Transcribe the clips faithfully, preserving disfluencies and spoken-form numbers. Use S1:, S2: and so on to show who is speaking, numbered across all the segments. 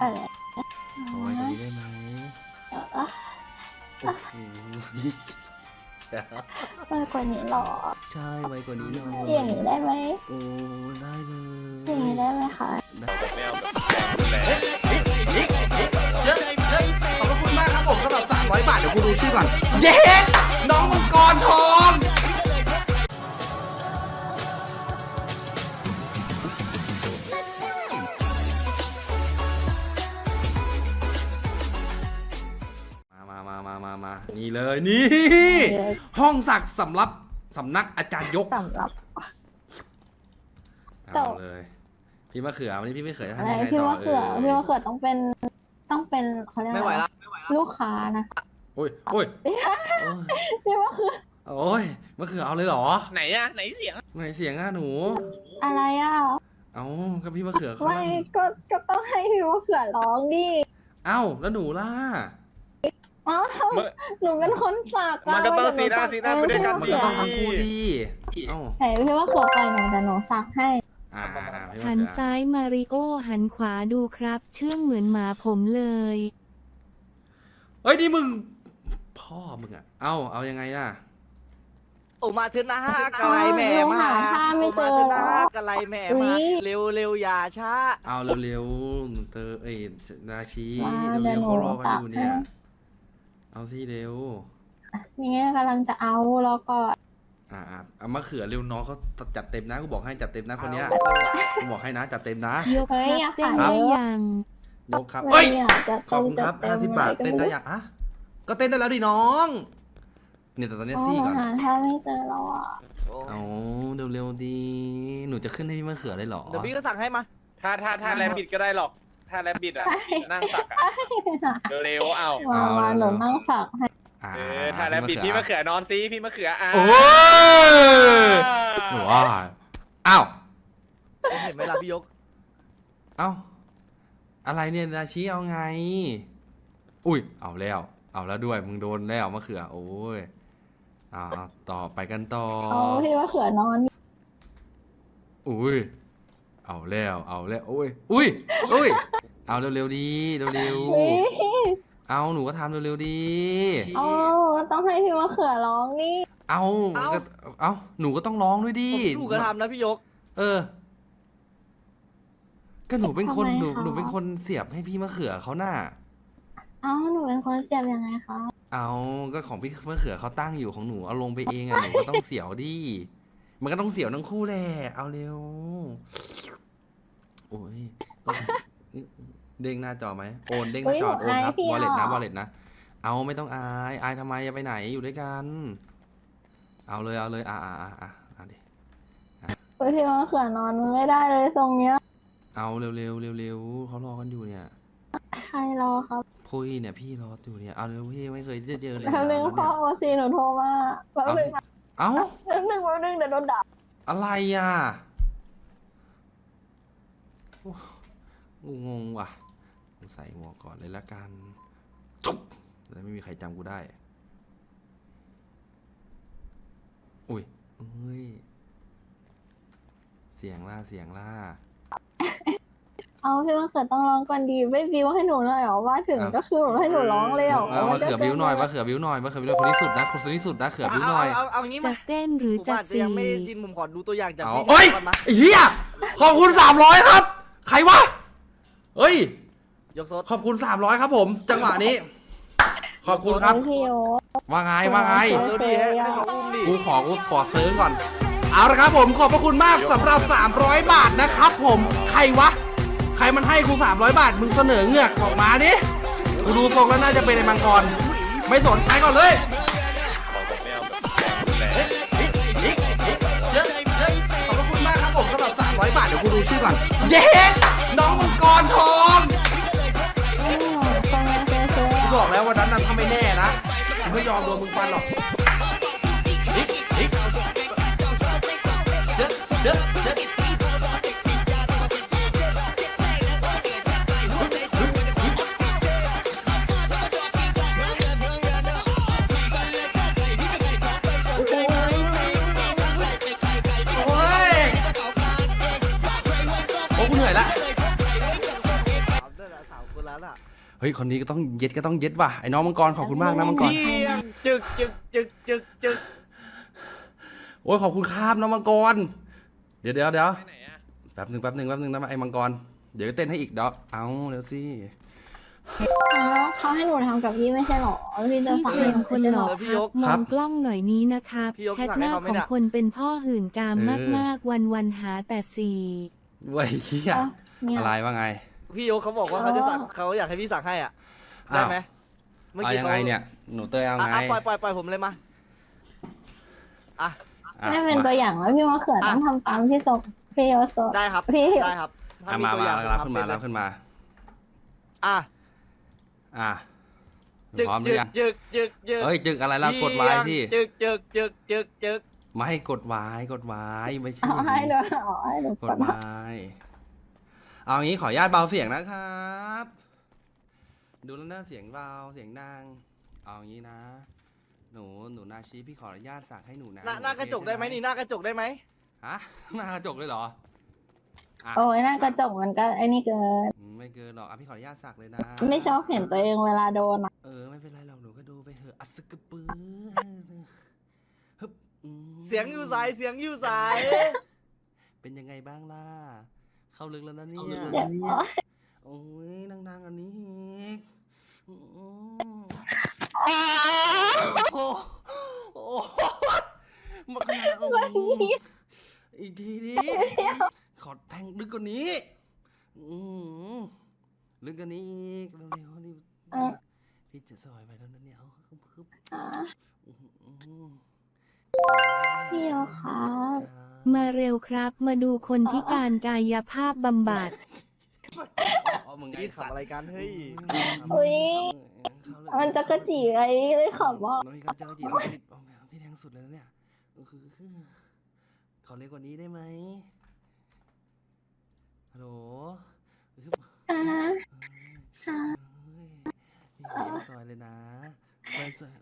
S1: อะไร
S2: ขอไว้กว่านี้ได้ไหม
S1: อ่ะ
S2: โอ้โห
S1: มากกว่านี้หรอ
S2: ใช่ไว้กว่านี้หน่อย
S1: อย่างนี้ได้ไหม
S2: โอ้ได้เลย
S1: อย่างนี้ได้ไหมคะ
S2: เยอะเยอะขอบคุณมากครับผมสำหรับสามร้อยบาทเดี๋ยวกูดูชื่อก่อนเย้น้องมังกรทองมามามามามานี่เลยนี่ห้องศักดิ์สำรับสำนักอาจารย์ยก
S1: สำหรับ
S2: เอาเลยพี่มะเขือวันนี้พี่มะเขือจะ
S1: อะ
S2: ทำ
S1: ไร
S2: ยังไง
S1: พี่
S2: ต่อ
S1: มะเขือ
S2: เออ
S1: พี่มะเขือต้องเป็นต้องเป็นเขาเรียก
S3: ไม่ไหว
S1: อะไร
S3: ละ
S1: ลูกค้านะ
S2: โอ้ยโอ้ย
S1: พี่มะเขือ
S2: โอ้ยมะเขือเอาเลยเหรอ
S3: ไหนอะไหนเสียง
S2: ไหนเสียงอ่ะหนู
S1: อะไรอ่ะ
S2: เอาก็พี่มะเขือเขา
S1: ไม่
S2: ลั่น
S1: ก็ก็ต้องให้พี่มะเขือร้องดิ
S2: เอ้าแล้วหนูล่ะ
S1: อ้าวหนูเป็นคนฝาก
S3: มันก็ต้องซีด้าซีด้าไปด้วยกัน
S2: มัน
S3: ดี
S2: ก็ต้องทั้งคู่ดีเอ้า
S1: ไหนพี่มะเขือไปหนูแต่หนูซักให้
S2: อ่าอ่าอ่าพี่มะ
S4: หัน
S2: เขือ
S4: ซ้ายมาริโอหันขวาดูครับ เชื่องเหมือนหมาผมเลย
S2: เฮ้ยนี่มึงพ่อมึงอ่ะเอ้าเอายังไงล่ะ
S3: โอ้มาเถอะนะกะไรแม่มา
S1: หาท่าไม่เจอ
S3: โมาเถอะ
S1: หร
S3: นะ
S1: อ
S3: กะไรแม่
S1: อุ๊
S3: มาย เร็วเร็วอย่าช้า
S2: เอาเร็วๆเตอเอ้ยนาชี
S1: มา
S2: เร็วๆ
S1: เดี๋ยว
S2: เขารอ
S1: หนู
S2: กันอยู่เนี่ย
S1: ตักให้
S2: เอาสิเร็ว
S1: นี่กำลังจะเอาแล้วก็
S2: อ่าอ่าเอามะเขือเร็วน้องเขาจัดเต็มนะกูบอกให้จัดเต็มนะคนเนี้ยกูบอกให้นะจัดเต็มนะ
S4: ยกครับเต้นได้ยัง
S2: ยกครับ
S1: ไม่
S2: เฮ้ย
S1: อยากจะ
S2: ขอบคุณครับ
S1: จะ
S2: ห้าสิบบาท
S1: ก็
S2: เต้นได้ยังอ่ะก็เต้นได้แล้วดิน้องเนี่ยแต่ตอนนี้
S1: อ๋อ
S2: ซี่ก่อน
S1: หาท่าไม่เจอแล้วอ่ะ
S3: โอ้
S2: เอาเร็วๆดีหนูจะขึ้นให้พี่มะเขือได้เหรอ
S3: เดี๋ยวพี่ก็สั่งให้มา
S5: ถ้าถ้าถ้าแรบบิดก็ได้หรอก ถ้าแรบบิดอ่ะ นั่งสักอ่ะ เร็วๆเอา
S1: มามาหนูนั่งฝากให้
S2: อ่า
S5: เออ ถ้าแรบบิดพี่มะเขือนอนซิพี่มะเขืออ่ะ
S2: โอ้ยหนูว่าอ้าว
S3: เห็นไหมล่ะพี่ยก
S2: เอ้าอะไรเนี่ยนาชีเอาไงอุ้ยเอาแล้วเอาแล้วด้วยมึงโดนแล้วมะเขือโอ้ยเอาเอาต่อไปกันต่อ
S1: เอาพี่ว่าเขือนอน
S2: อุ้ยเอาแล้วเอาแล้วโอ้ยอุ้ยอุ้ยเอาเร็วๆดีเร็ว
S1: เฮ้ย
S2: ๆเอาหนูก็ทำเร็วๆดี
S1: เอาต้องให้พี่ว่าเขือร้องนี่
S2: เอา
S3: เอ้า
S2: ก็เอาหนูก็ต้องร้องด้วยดิ
S3: ผมถูกกระทำนะพี่ยก
S2: เออ ก็หนูเป็นคนหนูหนูเป็นคนเสียบให้พี่มะเขือเขาน่ะ
S1: เอ้าหนูเป็นคนเสียบยังไงคะ
S2: เอาก็ของพี่มะเขือเขาตั้งอยู่ของหนูเอาลงไปเองอะหนูก็ต้องเสียวดิมันก็ต้องเสียวทั้งคู่แหละเอาเร็วโอ้ยก็เด้งหน้าจอไหมโอนเด้งหน้าจอโอนครับวอลเล็ตนะวอลเล็ตนะเอาไม่ต้องอายอายทำไมจะไปไหนอยู่ด้วยกัน เอาเลยเอาเลยอ่าอ่าอ่าอ่าอ่าดิ
S1: เฮ้ยพี่ว่าเขือนอนมันไม่ได้เลยทรงเนี้ย
S2: เอาเร็วเร็วเร็วเร็วเขารอกันอยู่เนี่ย
S1: ใครรอครับ
S2: พุยเนี่ยพี่รออยู่เนี่ยเอาเร็วพี่ไม่เคยจะเจอเลย
S1: แป๊บนึงพ่อโอซีหนูโทรมาแป๊บ
S2: เอา
S1: นึ
S2: สิ
S1: ง
S2: เอา
S1: แป๊บนึงแป๊บนึงเดี๋ยวโดนด่า
S2: อะไรอ่ะโอ้กูงงว่ะใส่หมวกก่อนเลยละกันจุ๊บแล้วไม่มีใครจำกูได้อุ้ยเอ้ยเสียงล่าเสียงล่า
S1: เอาพี่ว่าเขือต้องร้องก่อนดีไม่บิวให้หนูเลยเหรอว่าถึงก็คือแบบให้หนูร้องเลยเหรอ
S2: เอามาเขือบิ้วหน่อยมาเขือบิ้วหน่อยมาเขือบิ้วหน่อยคนที่สุดนะคนที่สุดนะเขือบิ้วหน่อย
S3: เอาเอาเอางี้
S4: จะ
S3: มา
S4: เต้นหรือ
S3: ผม
S4: จะ
S3: อาจจะ
S4: สี
S3: ยังไม่จินผมขอดูตัวอย่างจาก
S2: เอา
S3: พี่
S2: เฮ้ย
S3: ก่อนมา
S2: ไอ้เฮียขอบคุณสามร้อยครับ ใครวะเฮ้ย
S3: ยกโซด
S2: ขอบคุณสามร้อยครับผม จังหวะนี้ ขอบคุณครับ
S1: พี่โอ
S2: ว่าไงว่าไง
S3: ดูดิให้ให้เขาอุ้มดิ
S2: กูขอกูขอซื้อก่อน เอาละครับผมขอบพระคุณมากสำหรับสามร้อยบาทนะครับผมใครวะ ใครมันให้กูสามร้อยบาทมึงเสนอเงือกออกมาดิกูดูทรงแล้วน่าจะเป็นไอ้มังกรไม่สนใครก่อนเลยเยอะเยอะขอบพระคุณมากครับผมสำหรับสามร้อยบาทเดี๋ยวกูดูชื่อก่อนเย้น้องมังกรทอง
S1: ฟังมาเจอเจอ
S2: กูบอกแล้ววันนั้นน่ะถ้าไม่แน่นะกูไม่ยอมโดนมึงฟันหรอกเยอะเยอะเยอะโอ้กูเหนื่อยละ
S3: สาวด้วยนะสาวคนคนนั้นอ่ะ
S2: เฮ้ยคนนี้ก็ต้องเย็ดก็ต้องเย็ดว่ะไอ้น้องมังกรขอบคุณมากนะมังกร
S3: เพียงจึกจึกจึกจึกจึก
S2: โอ้ยขอบคุณครับน้องมังกรเดี๋ยวเดี๋ยวเดี๋ยว
S5: ไปไหนอะ
S2: แป๊บหนึ่งแป๊บหนึ่งแป๊บหนึ่งนะไอ้มังกรเดี๋ยวเต้นให้อีกเดี๋ยวเอาเดี๋ยวสิ
S1: แล้วเขาให้หนูทำกับพี่ไม่ใช่หรอพี่จะ
S4: พี่
S1: สั่ง
S4: เพียงคนหล่อ
S3: เออพี่
S4: ค
S3: ย
S4: รับ
S3: ก
S4: มองกล้องหน่อยนี้นะครับ
S3: พี่ยก
S4: แชท
S3: สั่ง
S4: ห
S3: ให้
S4: น้า
S3: เขาไหม
S4: ของ
S3: เนี่ย
S4: คนเป็นพ่อหื่นกามมากๆวันวันๆหาแต่สี่
S2: เว้ยเฮีย
S1: เนี่ย
S2: อะไรว่าไง
S3: พี่โยกเขาบอกว่าเขาจะสั่งเขาอยากให้พี่สั่งให้อ่ะได้ไหม
S2: เอายังไงเนี่ยหนูเตยเอา
S3: อ่ะ
S2: ไง
S3: อ่ะปล่อยปล่อยปล่อยผมเลยมาอ่ะ
S2: อ่ะ
S1: ไม่เป็น
S2: มา
S1: ตัวอย่างแล้วพี่มะเขือต้องทำตามพี่โซพี่โยโซ
S3: ได้ครับ
S1: พี่
S3: ได้ครับถ้
S2: อ่ะ
S3: มี
S2: มา
S3: ตัว
S2: มา
S3: อย่าง
S2: รับ
S3: ผม
S2: ขึ้นมา
S3: ทำเป็
S2: รับขึ้นมา
S3: อ่ะ
S2: อ่ะ
S3: จึก
S2: พร้อมหรื
S3: จึ
S2: อก ยัง
S3: จึกจึกจึก
S2: เฮ้ยจึกอะไรล่ะกดไว้ที่
S3: จึกจึกจึกจึกจึก
S2: ไม่ให้กดไว้กดไว้ไม่ใช่
S1: เอาให้ดูเอาให้ดู
S2: ก
S1: ก
S2: ด
S1: ด
S2: ไว้เอางี้ขออนุญาตเบาเสียงนะครับ ดูแล้วน่าเสียงเบาเสียงดังเอางี้นะ หนูหนูนาชีพี่ขออนุญาตสักให้หนูนะ
S3: หน้าหน้ากระจกได้ไหมนี่หน้ากระจกได้ไหม
S2: ฮะหน้ากระจกเลยเหรออ่ะ
S1: โอ้ยหน้ากระจกมันก็ไอ้นี่เกิน
S2: ไม่เกินหรอกอ่ะพี่ขออนุญาตสักเลยนะ
S1: ไม่ชอบเห็นตัวเองเวลาโดนอะ
S2: เออไม่เป็นไรหรอกหนูก็ดูไปเถอะอัสกะปือฮึบอืม
S3: เสียงอยู่สายเสียงอยู่สาย
S2: เป็นยังไงบ้างล่ะ เข้าลึกแล้วนะเนี่ย
S1: เจ็บอ๋อ
S2: โอ้ยนั่งๆอันนี้อีกอืมโอ้โอ้มาขนาดนั้นอีกทีดิขอแทงลึกกว่านี้อืมลึกกว่านี้อีกเร็วๆนี่พี่จะซอยไปแล้วนะเนี่ยเอาคึบคึบ
S1: อ่ะ
S2: อืม
S1: พี่โยครับ
S4: มาเร็วครับ มาดูคนพิการกายภาพบำบัด
S2: อ๋อมึงไง
S3: พี่ขับอะไรกันเฮ้ย
S1: อุ้ยมันจะกระจีไงเลยขำว่า
S2: น้องพี่ก็เจอจีเราพี่เอาพี่แทงสุดเลยนะเนี่ยคือขอเล็กกว่านี้ได้ไหมฮัลโหล
S1: อ่า
S2: พี่ซอยเลยนะซอยซอย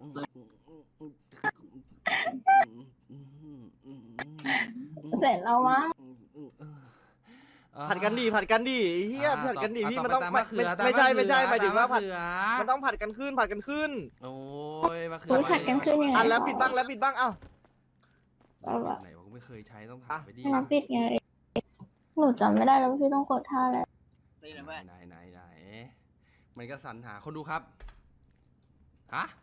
S1: เสร็จแล้วมั้ง
S3: ผัดกันดีผัดกันดีเฮียผัดกันดีพี่มันต้อง
S2: ตา
S3: ไม่
S2: มะเขือ
S3: ไม่ใช่ไม่ใช่
S2: ตาม
S3: หมายถึงว่าผัด
S2: มะเขือ
S3: มันต้องผัดกันขึ้นผัดกันขึ้น
S2: โอ้ยมะเขื
S1: อุ้ยผัดกันขึ้นยังไง
S3: อ่ะแล้วปิดบ้างแล้วปิดบ้างเอ้า
S2: ไหนวะกูไม่เคยใช้ต้องถามไปดิ
S1: ให้น้ำปิดไงหนูจำไม่ได้แล้วพี่ต้องกดท่าอะไร
S2: ไหนไหนไหนไหนมันก็สรรหาคนดูครับฮะ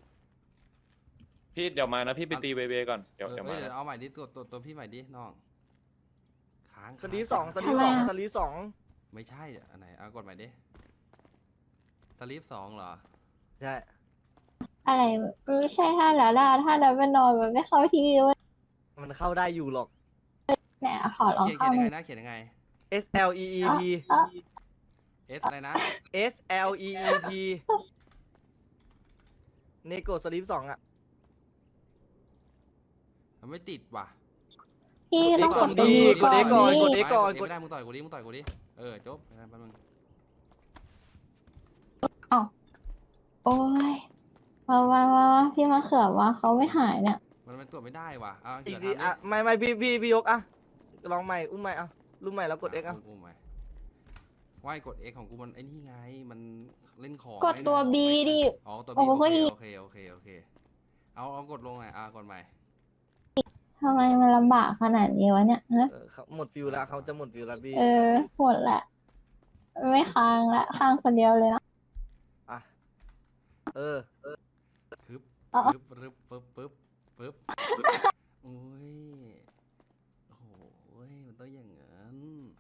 S5: พี่เดี๋ยวมานะพี่ไปตีเบเบก่อนเดี๋ยว
S2: เออ
S5: เดี๋ยว
S2: เอ้
S5: มาย
S2: เดี๋ยว
S5: นะ
S2: เอาใหม่ดิตัวตัวตัวพี่ใหม่ดิน้องค้าง
S3: สลีฟสองสลีฟสองสลีฟสอง
S2: ไม่ใช่อันไหนเอากดใหม่ดิสลีฟสองเหรอ
S3: ใช่
S1: อะไรไม่ใช่ท่าแล้วล่ะท่าแล้วไปนอนมันไม่เข้าที่เว้ย
S3: มันเข้าได้อยู่หรอก
S1: เนี่ยขอลอง
S2: เขียน
S1: เข้า
S2: เขียน
S1: ห
S2: ยัง
S1: น่
S2: ไง
S1: อย
S2: นะเขียนยังไง
S3: S L E E P
S1: เอ้า
S2: เอสอะไรนะ
S3: S L E E P เนโกสลีฟสองอ่ะ
S2: มันไม่ติดว่ะ
S1: พี่ต้องกด
S3: กด E
S1: ตัวนี้
S3: กด E ก่อน
S1: นี่
S3: กด E ก่อน
S2: ไม่ได้มึงต่อยกูดิมึงต่อยกูดิเออจบแป๊บนึง
S1: โอ้ยมามามามาพี่มาเขือว่าเขาไม่หายเนี่ย
S2: มันมันตรวจไม่ได้ว่ะเอา
S3: อี
S2: เขี
S3: ก
S2: ยน
S3: ทีอ่ะไม่ไม่พี่พี่พี่ยกอ่ะลองใหม่อุ้มใหม่อ่ะรุ่มใหม่แล้วกด X อ่ะ
S2: กูใหม่ว่ายกด X ของกูมันไอ้นี่ไงมันเล่นของ
S1: กดตัว B ดิ
S2: อ๋อตัว B
S1: โอ้
S2: โอ
S1: โห
S2: เคโอเคโอเคโอเคเอาเอากดลงหน่อยอ่ะกดใหม่
S1: ทำไมมันลำบากขนาดนี้วะเนี่ยฮะ
S3: เออเขาหมดฟิวแล้วเขาจะหมดฟิวแล้วพี่
S1: เออหมดละ ไม่ค้างละค้างคนเดียวเลยนะ
S3: อ่ะเออ
S2: คึบ
S1: อ๋อ
S2: คึบปึ๊บปึ๊บปึ๊บปึ๊บโอ้ยโอ้โหมันต้องอย่างนั้น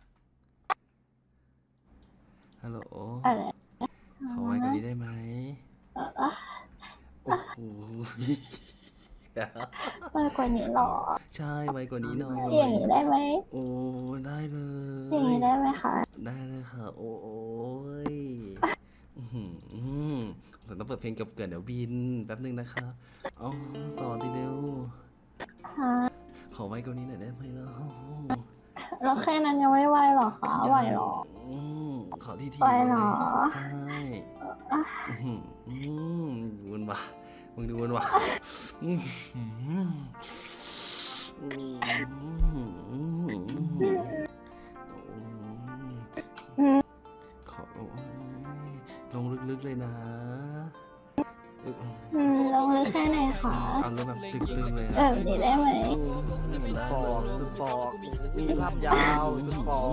S2: ฮัลโหล
S1: อะไร
S2: ขอไว้กว่านี้ได้ไหม
S1: เออ
S2: โอ้โห
S1: มากกว่านี้หรอ
S2: ใช่ไว้กว่านี้หน่อย
S1: อย่างนี้ได้ไหม
S2: โอ้ได้เล
S1: อย่าง
S2: ย
S1: นี้ได้ไหมคะ
S2: ได้เลยค่ะ โอ้ยอื้อหือผมต้องเปิดเพลงเกือบเกินเดี๋ยวบินแป๊บนึงนะคะเอาต่อทีเดียว
S1: ฮะ
S2: ขอไว้กว่านี้หน่อยได้ไหมล่ะ
S1: แล้วแค่นั้นยังไม่ไหวหรอคะไหวหรอ
S2: อืมขอที่ที
S1: ไหวเหรอ
S2: ใช่
S1: อ่ะ
S2: อื้อหืออืมดูมันว่ะมึงดูมันว่ะอื้อหืออื้อหือขอโอ้ยลงลึกๆเลยนะเอ้ย
S1: อืมลงลึกแค่ไหนคะ
S2: เอาแล้วแบบตึงๆเลย
S1: เอ
S2: นะ
S1: อนี้ได้ไหม
S3: ปอกสุดปอกมีภาพยาวสุดปอก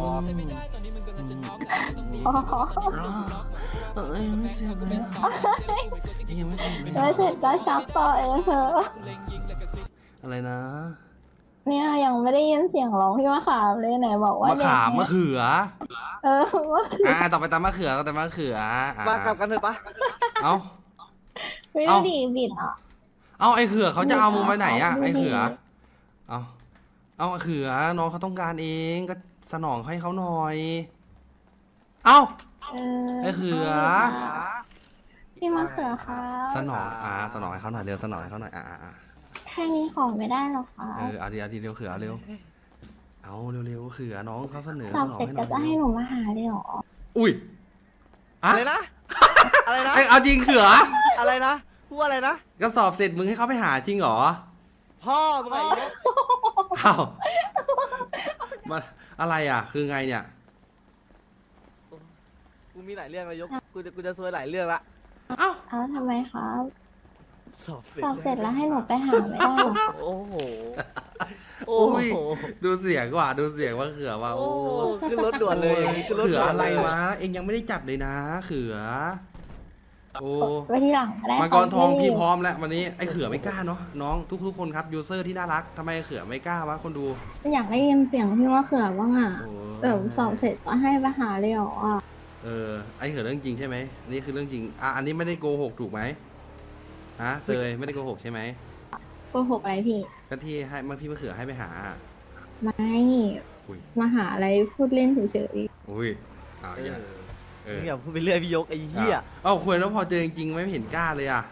S1: อ๋อ
S2: เอ้ยยังไม่เสร็จเลยอะยังไม่เสร็จเลย
S1: ไม่เสร็จก็ชักต่อเองเถอะ
S2: อะไรนะ
S1: เนี่ยยังไม่ได้ยินเสียงร้องพี่มะขามเลยไหนบอกว่าม
S2: ะขามมะเขือ
S1: เออว่า
S2: อ่าต่อไปตามมะเขือก็ตามมะเขืออ่ะ
S3: มากลับกันเถอะปะ
S2: เอ้า
S1: ไม่
S2: เอ้า
S1: ดีบิดอ่ะ
S2: เอาไอ้เขือเขาจะเอามึงไปไหนอะ
S1: ดูดิ
S2: ไอ้เขือ เอาเอาไอ้เขือน้องเขาต้องการเองก็สนองให้เขาหน่อย เอา
S1: เออ
S2: ไอ้เขือ
S1: พี่มะเขือค่ะ
S2: สนองอ่าสนองให้เขาหน่อยเร็วสนองให้เขาหน่อยอ่าอ่าอ่า
S1: แค่นี้ของไม่ได้หรอคะ
S2: เออเอาดีเอาดีเร็วเขือเร็วเอาเร็วเร็วเขือน้องเขาเสนอ
S1: สอ
S2: ส
S1: บ
S2: นอง
S1: เสร็จ
S2: ให้หน่
S1: ก็
S2: อย
S1: จะให้หนูมาหาเลยเหรอ
S2: อุ้ยอะ
S3: อะไรนะ อะไรนะ
S2: ไอ้เอาจริงเขือ
S3: อะไรนะพูดอะไรนะ
S2: ก็สอบเสร็จมึงให้เขาไปหาจริงเหรอ
S3: พ่อมึงไงยก
S2: อ้าวมาอะไรอ่ะ คือไงเนี่ย
S3: กูมีหลายเรื่องเลยยกกูจะกูจะซวยหลายเรื่องละ
S2: เอ้า
S1: เอ้าทำไมครับ
S3: สอบเสร็จ
S1: สอบเสร็จแล้วให้หนูไปหาไม่ได้หรอ
S3: โอ้โห โอ้
S2: อุ้ย
S3: โห
S2: ดูเสียงว่ะดูเสียงว่าเขือว่ะ
S3: โอ้
S2: โอ้
S3: ขึ้นรถด่วนเลยอย่างงี้ขึ้นรถ
S2: เขือ
S3: ด่วน
S2: อะไร
S3: เลยว
S2: ะ เองยังไม่ได้จัดเลยนะ เขือ โอ้
S1: ไว้ที่หลังก็ได้
S2: มังกรทอง
S1: ค่ะ
S2: พี่พร้อมแล้ววันนี้ไอ้เขือไม่กล้าเนาะน้องทุกทุกๆคนครับยูเซอร์ที่น่ารักทำไมไอ้เขือไม่กล้าวะคนดู
S1: อยากได้ยินเสียงพี่มะเขือบ้างอ่ะ
S2: โอ้
S1: เออสอบเสร็จก็ให้ไปหาเลยเหรออ่ะ
S2: เออไอ้เขือเรื่องจริงใช่ไหมอันนี้คือเรื่องจริงอ่ะอันนี้ไม่ได้โกหกถูกไหมฮะเตยไม่ได้โกหกใช่ไหม
S1: โกหกอะไรพี่
S2: ก็ที่ให้เมื่อพี่มะเขือให้ไปหา
S1: ไม่
S2: อุ้ย
S1: มาหาอะไรพูดเล่นเฉย
S2: อุ้ยอ้าว
S3: เอ
S2: อย่า
S3: อ
S2: เออ
S3: มึงอย่าพูดไปเรื่อยพี่ยกไอ้เหี้ย
S2: เอ้าคุยแล้วพอเจอจริงๆไม่เห็นกล้าเลยอ่ะ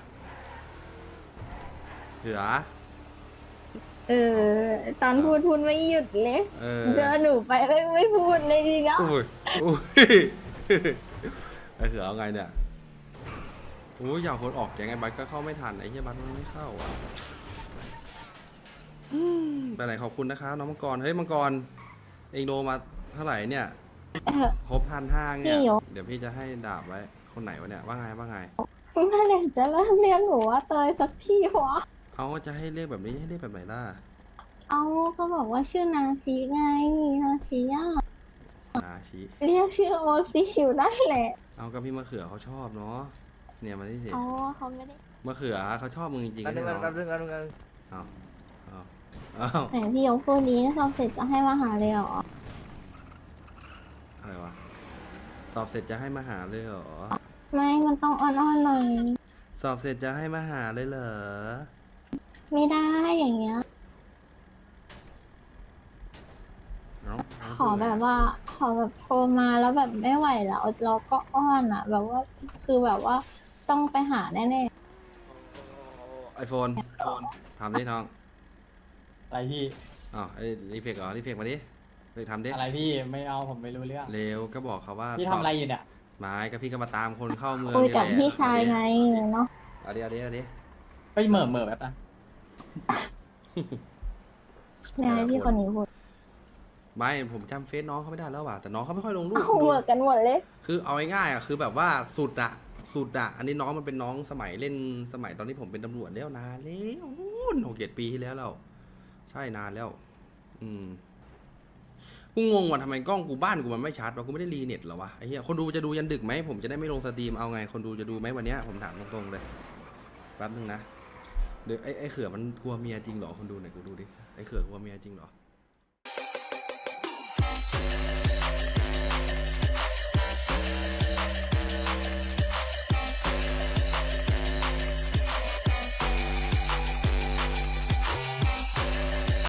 S2: เขือ
S1: ๆเออ ตอนพูดพูดไม่หยุดเลย
S2: เออ
S1: เจอหนูไปไม่ไม่พูดเลยดีนะ
S2: อุ้ยอุ้ยไอ้เขือเอาไงเนี่ยโอ้ยอยากคนออกแกงไอ้บัสก็เข้าไม่ทันไอ้เหี้ยบัสมันไม่เข้าอ่ะอืมไปไหนขอบคุณนะคะน้องมังกรเฮ้ยมังกรเองโดมาเท่าไหร่เนี่ย
S1: เออ
S2: ครบพันห้าเนี่ย
S1: พี่ยก
S2: เดี๋ยวพี่จะให้ดาบไว้คนไหนวะเนี่ยว่าไงว่าไง
S1: เมื่อไหร่จะเริ่มเรียกหนูว่าเตยสักทีวะ
S2: เอาจะให้เรียกแบบนี้ให้เรียกแบบไหนล่ะ
S1: เอาก็บอกว่าชื่อนาชีไงนาชีอ่ะ
S2: นาชิ
S1: เรียกชื่อโอซีอยู่ได้แหละ
S2: เอากับพี่มะเขือเขาชอบเนาะเนี่ยมาที่สิ
S1: อ๋อเขาไม่ได้
S2: มะเขือเขาชอบมึงจริงๆ
S3: แป๊บนึ
S2: ใช่
S3: ง
S2: ไหม
S3: แป๊บนึงแป๊บนึงแป๊บนึง
S2: เอาเอาเอา
S1: ไหนพี่ยกพูดนี้สอบเสร็จจะให้มาหาเลยเหรอ
S2: อะไรวะสอบเสร็จจะให้มาหาเลยเหรอ
S1: ไม่มันต้องอ่อนๆหน่อย
S2: สอบเสร็จจะให้มาหาเลยเหรอ
S1: ไม่ได้อย่างเงี้ย
S2: เอาเอา
S1: ขอแบบว่า ขอแบบโทรมาแล้วแบบไม่ไหวแล้วเราก็อ้อนอ่ะ แบบว่าคือแบบว่าต้องไปหาแน่
S2: ไอโฟนทำดิน้อง
S6: อะไรพี่
S2: อ้าวไอรีเฟกเหรอรีเฟกมาดิรีเฟกทำดิ
S6: อะไรพี่ไม่เอาผมไม่รู้เรื่อง
S2: เร็วก็บอกเขาว่า
S6: พี่ทำอะไรอยู่เนี่ย
S2: ไม้ก็พี่ก็มาตามคนเข้าเมือง
S1: ๆคุย
S2: นี่แห
S1: กับ
S2: ละ
S1: พี่ชายไงเนาะ
S2: เอาดิเอาดิเอาดิ
S6: ไปเหม่อเหม่อแบบนะ
S1: เนี่ยให้พี่คนนี้พูด
S2: ไม่ผมจำเฟซน้องเขาไม่ได้แล้วว่ะแต่น้องเขาไม่ค่อยลงรูป
S1: เอาเหมือนกันหมดเลย
S2: คือเอาง่ายๆอ่ะคือแบบว่าสุดอะสุดอะอันนี้น้องมันเป็นน้องสมัยเล่นสมัยตอนที่ผมเป็นตำรวจแล้วนานแล้วนู่นหกเจ็ดปีที่แล้วเราใช่นานแล้ว อืมกูงงว่าทำไมกล้องกูบ้านกูมันไม่ชัดวะกูไม่ได้รีเน็ตเหรอวะไอ้เหี้ยคนดูจะดูยันดึกไหมผมจะได้ไม่ลงสตรีมเอาไงคนดูจะดูไหมวันเนี้ยผมถามตรงๆเลยแป๊บนึงนะเดี๋ยวไอ้ไอ้เขือมันกลัวเมียจริงเหรอคนดูหน่อยกูดูดิไอ้เขือกลัวเมียจริงเหรอ